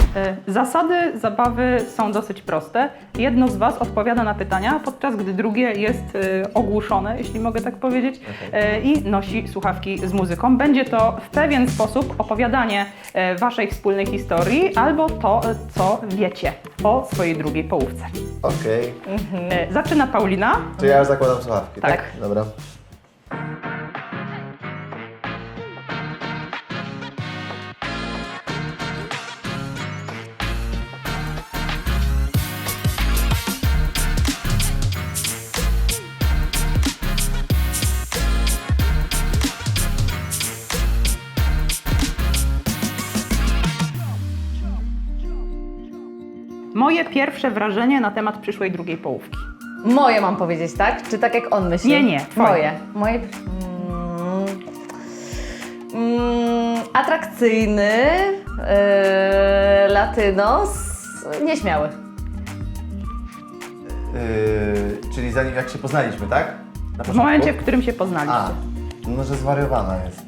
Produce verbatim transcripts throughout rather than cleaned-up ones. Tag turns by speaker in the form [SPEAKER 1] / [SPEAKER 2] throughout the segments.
[SPEAKER 1] Zasady zabawy są dosyć proste. Jedno z Was odpowiada na pytania, podczas gdy drugie jest ogłuszone, jeśli mogę tak powiedzieć, okay. i nosi słuchawki z muzyką. Będzie to w pewien sposób opowiadanie Waszej wspólnej historii albo to, co wiecie o swojej drugiej połówce.
[SPEAKER 2] Okej.
[SPEAKER 1] Okay. Mhm. Zaczyna Paulina.
[SPEAKER 2] Czy ja już zakładam słuchawki, tak?
[SPEAKER 1] Tak.
[SPEAKER 2] Dobra.
[SPEAKER 1] Moje pierwsze wrażenie na temat przyszłej drugiej połówki.
[SPEAKER 3] Moje mam powiedzieć, tak? Czy tak jak on myśli?
[SPEAKER 1] Nie, nie, twoje.
[SPEAKER 3] Moje. Moje... Mm, mm, atrakcyjny, yy, latynos, nieśmiały.
[SPEAKER 2] Yy, czyli zanim jak się poznaliśmy, tak? Na
[SPEAKER 1] W
[SPEAKER 2] początku?
[SPEAKER 1] momencie, w którym się poznaliście.
[SPEAKER 2] A, no że zwariowana jest.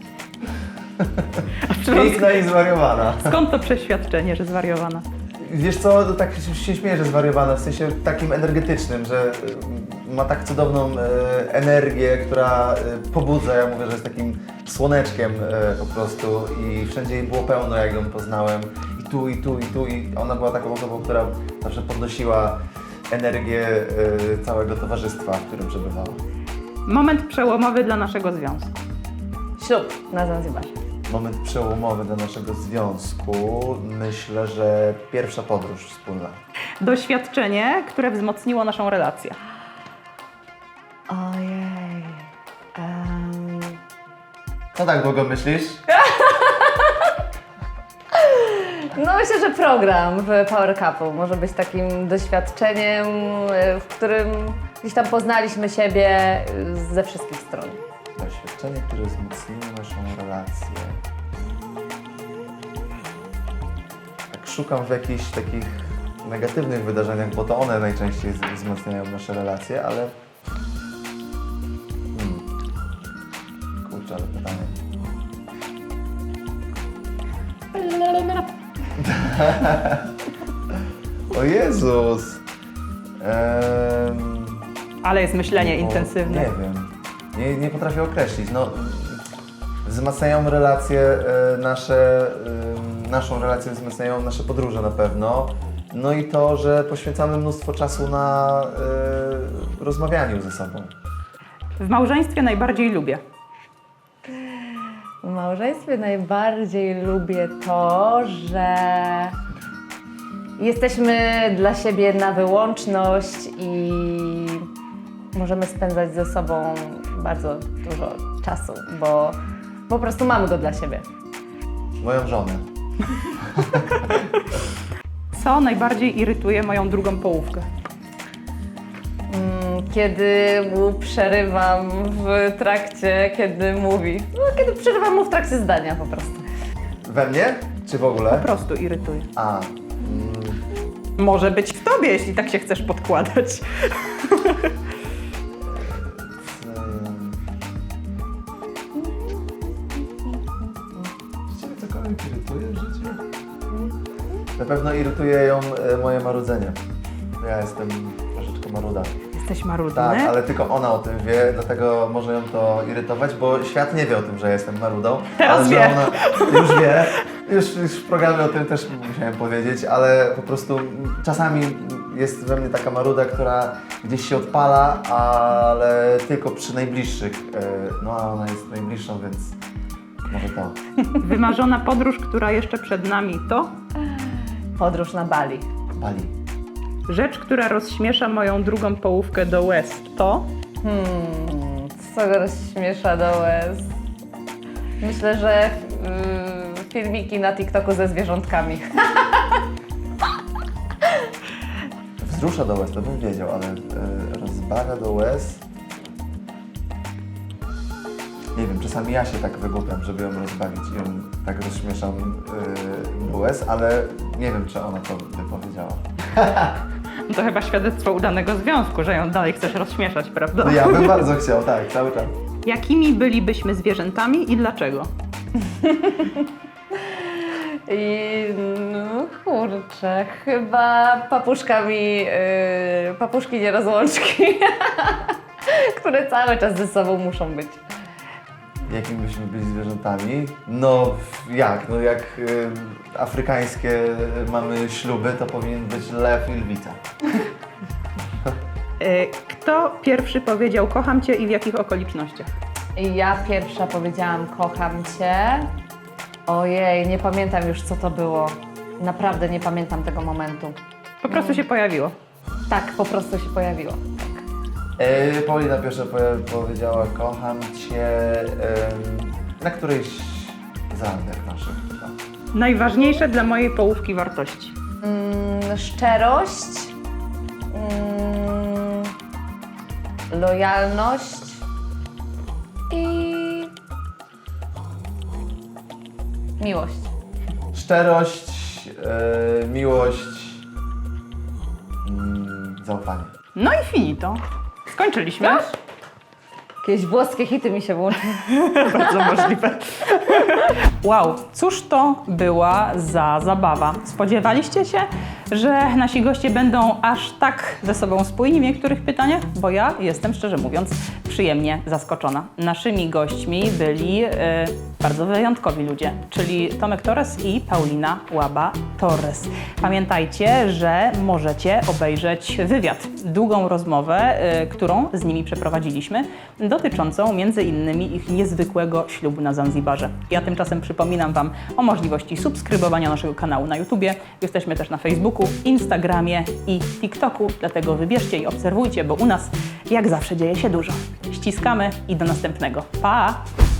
[SPEAKER 2] Piękna i zwariowana.
[SPEAKER 1] Skąd to przeświadczenie, że zwariowana?
[SPEAKER 2] Wiesz co, to tak się śmieję, że zwariowana, w sensie takim energetycznym, że y, ma tak cudowną y, energię, która y, pobudza. Ja mówię, że jest takim słoneczkiem y, po prostu i wszędzie jej było pełno, jak ją poznałem. I tu, i tu, i tu. I ona była taką osobą, która zawsze podnosiła energię y, całego towarzystwa, w którym przebywała.
[SPEAKER 1] Moment przełomowy dla naszego związku.
[SPEAKER 3] Ślub na Zanzibarze.
[SPEAKER 2] Moment przełomowy dla naszego związku, myślę, że pierwsza podróż wspólna.
[SPEAKER 1] Doświadczenie, które wzmocniło naszą relację.
[SPEAKER 3] Ojej. Um...
[SPEAKER 2] Co tak długo myślisz?
[SPEAKER 3] No myślę, że program w Power Couple może być takim doświadczeniem, w którym gdzieś tam poznaliśmy siebie ze wszystkich stron.
[SPEAKER 2] Doświadczenie, które wzmocniło naszą relację. Tak szukam w jakichś takich negatywnych wydarzeniach, bo to one najczęściej z- wzmacniają nasze relacje, ale... Hmm. Kurczę, ale pytanie. O Jezus! Ehm...
[SPEAKER 1] Ale jest myślenie
[SPEAKER 2] O,
[SPEAKER 1] intensywne.
[SPEAKER 2] Nie wiem. Nie, nie potrafię określić. No, wzmacniają relacje e, nasze, e, naszą relację wzmacniają nasze podróże na pewno. No i to, że poświęcamy mnóstwo czasu na e, rozmawianiu ze sobą.
[SPEAKER 1] W małżeństwie najbardziej lubię.
[SPEAKER 3] W małżeństwie najbardziej lubię to, że jesteśmy dla siebie na wyłączność i możemy spędzać ze sobą bardzo dużo czasu, bo po prostu mamy go dla siebie.
[SPEAKER 2] Moją żonę.
[SPEAKER 1] Co najbardziej irytuje moją drugą połówkę?
[SPEAKER 3] Mm, Kiedy mu przerywam w trakcie, kiedy mówi. No, kiedy przerywam mu w trakcie zdania po prostu.
[SPEAKER 2] We mnie? Czy w ogóle?
[SPEAKER 1] Po prostu irytuje.
[SPEAKER 2] A. Mm,
[SPEAKER 1] Może być w tobie, jeśli tak się chcesz podkładać.
[SPEAKER 2] ym. Czy ciebie cokolwiek irytuje w życiu? Na pewno irytuje ją e, moje marudzenie. Ja jestem troszeczkę maruda.
[SPEAKER 1] Jesteś marudny?
[SPEAKER 2] Tak, ale tylko ona o tym wie, dlatego może ją to irytować, bo świat nie wie o tym, że jestem marudą.
[SPEAKER 1] Teraz
[SPEAKER 2] ale
[SPEAKER 1] wie.
[SPEAKER 2] Że ona już wie. Już, już w programie o tym też musiałem powiedzieć, ale po prostu czasami jest we mnie taka maruda, która gdzieś się odpala, ale tylko przy najbliższych. No a ona jest najbliższą, więc może to.
[SPEAKER 1] Wymarzona podróż, która jeszcze przed nami, to
[SPEAKER 3] Podróż na Bali.
[SPEAKER 2] Bali.
[SPEAKER 1] rzecz, która rozśmiesza moją drugą połówkę do łez, to
[SPEAKER 3] Hmm, co go rozśmiesza do łez? Myślę, że yy, filmiki na TikToku ze zwierzątkami.
[SPEAKER 2] Wzrusza do łez, to bym wiedział, ale e, rozbawia do łez. Nie wiem, czasami ja się tak wygłupiam, żeby ją rozbawić i ją tak rozśmieszam yy, do łez, ale nie wiem, czy ona to wypowiedziała.
[SPEAKER 1] No to chyba świadectwo udanego związku, że ją dalej chcesz rozśmieszać, prawda?
[SPEAKER 2] No ja bym bardzo chciał, tak, cały czas.
[SPEAKER 1] Jakimi bylibyśmy zwierzętami i dlaczego?
[SPEAKER 3] I no, kurczę, chyba papuszkami, yy, papuszki nierozłączki, które cały czas ze sobą muszą być.
[SPEAKER 2] Jakimi byśmy byli zwierzętami? No jak? No jak y, afrykańskie mamy śluby, to powinien być lew i lwica.
[SPEAKER 1] E, Kto pierwszy powiedział kocham cię i w jakich okolicznościach?
[SPEAKER 3] I ja pierwsza powiedziałam kocham cię. Ojej, nie pamiętam już co to było. Naprawdę nie pamiętam tego momentu.
[SPEAKER 1] Po prostu się pojawiło.
[SPEAKER 3] Tak, po prostu się pojawiło.
[SPEAKER 2] E, Paulina pierwsza powie- powiedziała kocham cię em, na którejś z randek naszych. No.
[SPEAKER 1] Najważniejsze dla mojej połówki wartości.
[SPEAKER 3] Mm, szczerość, mm, lojalność i miłość.
[SPEAKER 2] Szczerość, e, miłość, mm, zaufanie.
[SPEAKER 1] No i finito. Skończyliśmy.
[SPEAKER 3] Jakieś włoskie hity mi się włączyły.
[SPEAKER 1] Bardzo możliwe. Wow, cóż to była za zabawa? Spodziewaliście się, że nasi goście będą aż tak ze sobą spójni w niektórych pytaniach? Bo ja jestem, szczerze mówiąc, przyjemnie zaskoczona. Naszymi gośćmi byli e, bardzo wyjątkowi ludzie, czyli Tomek Torres i Paulina Łaba Torres. Pamiętajcie, że możecie obejrzeć wywiad, długą rozmowę, e, którą z nimi przeprowadziliśmy, dotyczącą między innymi ich niezwykłego ślubu na Zanzibarze. Ja tymczasem przypominam Wam o możliwości subskrybowania naszego kanału na YouTubie. Jesteśmy też na Facebooku, Instagramie i TikToku, dlatego wybierzcie i obserwujcie, bo u nas jak zawsze dzieje się dużo. Ściskamy i do następnego. Pa!